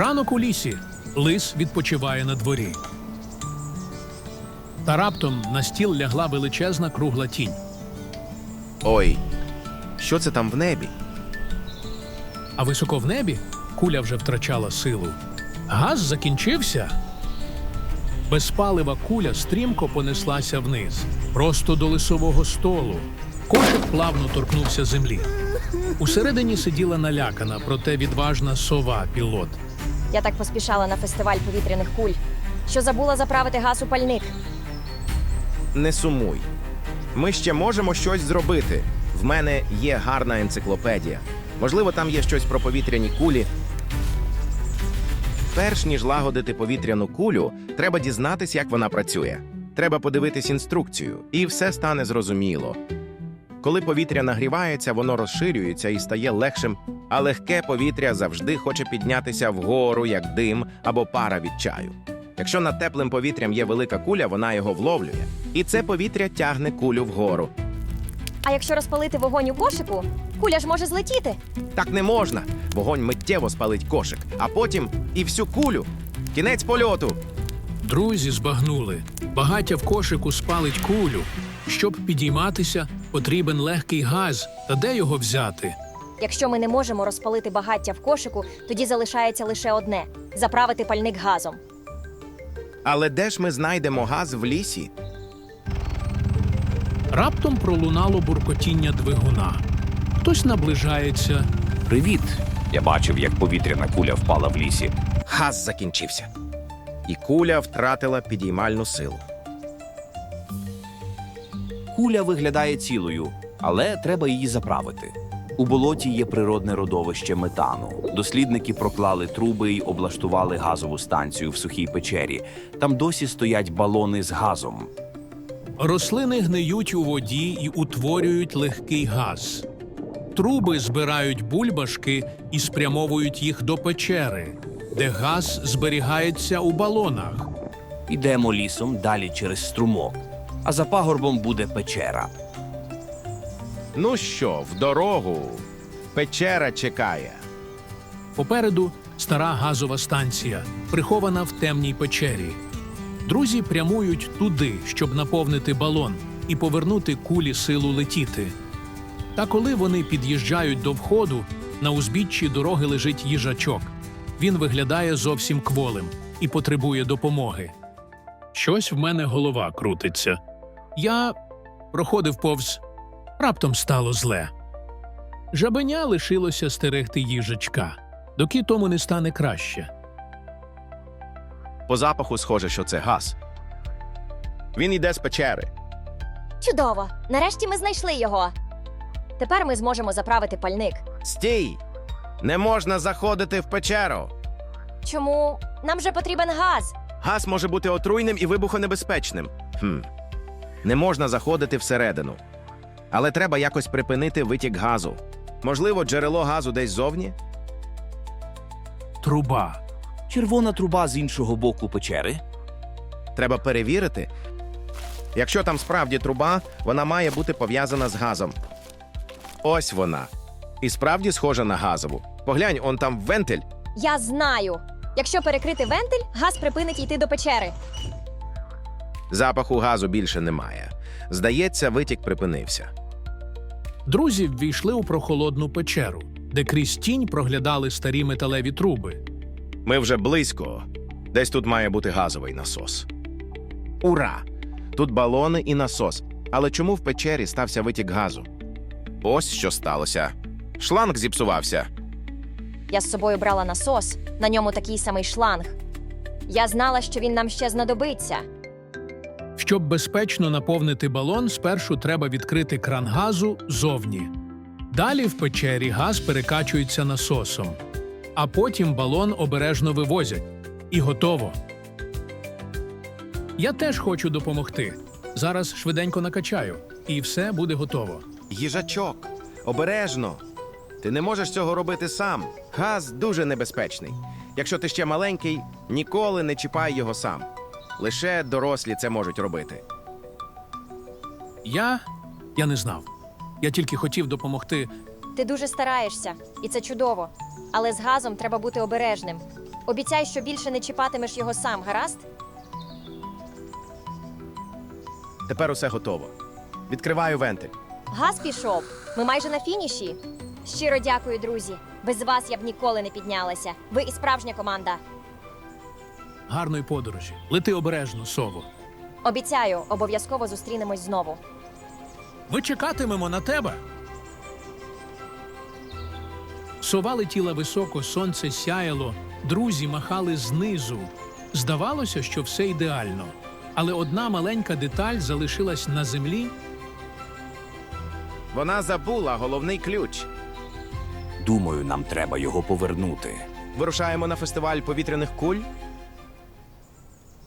Ранок у лісі. Лис відпочиває на дворі. Та раптом на стіл лягла величезна кругла тінь. Ой, що це там в небі? А високо в небі куля вже втрачала силу. Газ закінчився. Безпалива куля стрімко понеслася вниз, просто до лисового столу. Кошик плавно торкнувся землі. Усередині сиділа налякана, проте відважна сова-пілот. Я так поспішала на фестиваль повітряних куль, що забула заправити газ у пальник. Не сумуй. Ми ще можемо щось зробити. В мене є гарна енциклопедія. Можливо, там є щось про повітряні кулі. Перш ніж лагодити повітряну кулю, треба дізнатись, як вона працює. Треба подивитись інструкцію, і все стане зрозуміло. Коли повітря нагрівається, воно розширюється і стає легшим, а легке повітря завжди хоче піднятися вгору, як дим або пара від чаю. Якщо над теплим повітрям є велика куля, вона його вловлює, і це повітря тягне кулю вгору. А якщо розпалити вогонь у кошику, куля ж може злетіти. Так не можна. Вогонь миттєво спалить кошик, а потім і всю кулю. Кінець польоту. Друзі збагнули. Багаття в кошику спалить кулю. Щоб підійматися, потрібен легкий газ. Та де його взяти? Якщо ми не можемо розпалити багаття в кошику, тоді залишається лише одне – заправити пальник газом. Але де ж ми знайдемо газ в лісі? Раптом пролунало буркотіння двигуна. Хтось наближається. Привіт! Я бачив, як повітряна куля впала в лісі. Газ закінчився. І куля втратила підіймальну силу. Куля виглядає цілою, але треба її заправити. У болоті є природне родовище метану. Дослідники проклали труби й облаштували газову станцію в сухій печері. Там досі стоять балони з газом. Рослини гниють у воді і утворюють легкий газ. Труби збирають бульбашки і спрямовують їх до печери, де газ зберігається у балонах. Ідемо лісом далі через струмок, а за пагорбом буде печера. Ну що, в дорогу. Печера чекає. Попереду стара газова станція, прихована в темній печері. Друзі прямують туди, щоб наповнити балон і повернути кулі силу летіти. Та коли вони під'їжджають до входу, на узбіччі дороги лежить їжачок. Він виглядає зовсім кволим і потребує допомоги. Щось в мене голова крутиться. Я проходив повз. Раптом стало зле. Жабеня лишилося стерегти їжачка, доки тому не стане краще. По запаху схоже, що це газ. Він йде з печери. Чудово! Нарешті ми знайшли його. Тепер ми зможемо заправити пальник. Стій! Не можна заходити в печеру. Чому? Нам же потрібен газ. Газ може бути отруйним і вибухонебезпечним. Не можна заходити всередину. Але треба якось припинити витік газу. Можливо, джерело газу десь зовні? Труба. Червона труба з іншого боку печери. Треба перевірити. Якщо там справді труба, вона має бути пов'язана з газом. Ось вона. І справді схожа на газову. Поглянь, он там вентиль. Я знаю. Якщо перекрити вентиль, газ припинить йти до печери. Запаху газу більше немає. Здається, витік припинився. Друзі ввійшли у прохолодну печеру, де крізь тінь проглядали старі металеві труби. Ми вже близько. Десь тут має бути газовий насос. Ура! Тут балони і насос. Але чому в печері стався витік газу? Ось що сталося. Шланг зіпсувався. Я з собою брала насос, на ньому такий самий шланг. Я знала, що він нам ще знадобиться. Щоб безпечно наповнити балон, спершу треба відкрити кран газу зовні. Далі в печері газ перекачується насосом. А потім балон обережно вивозять. І готово. Я теж хочу допомогти. Зараз швиденько накачаю, і все буде готово. Їжачок, обережно. Ти не можеш цього робити сам. Газ дуже небезпечний. Якщо ти ще маленький, ніколи не чіпай його сам. Лише дорослі це можуть робити. Я не знав. Я тільки хотів допомогти. Ти дуже стараєшся, і це чудово. Але з газом треба бути обережним. Обіцяй, що більше не чіпатимеш його сам, гаразд? Тепер усе готово. Відкриваю вентиль. Газ пішов. Ми майже на фініші. Щиро дякую, друзі. Без вас я б ніколи не піднялася. Ви і справжня команда. Гарної подорожі. Лети обережно, сово. Обіцяю, обов'язково зустрінемось знову. Ми чекатимемо на тебе. Сова летіла високо, сонце сяяло, друзі махали знизу. Здавалося, що все ідеально. Але одна маленька деталь залишилась на землі. Вона забула головний ключ. Думаю, нам треба його повернути. Вирушаємо на фестиваль повітряних куль.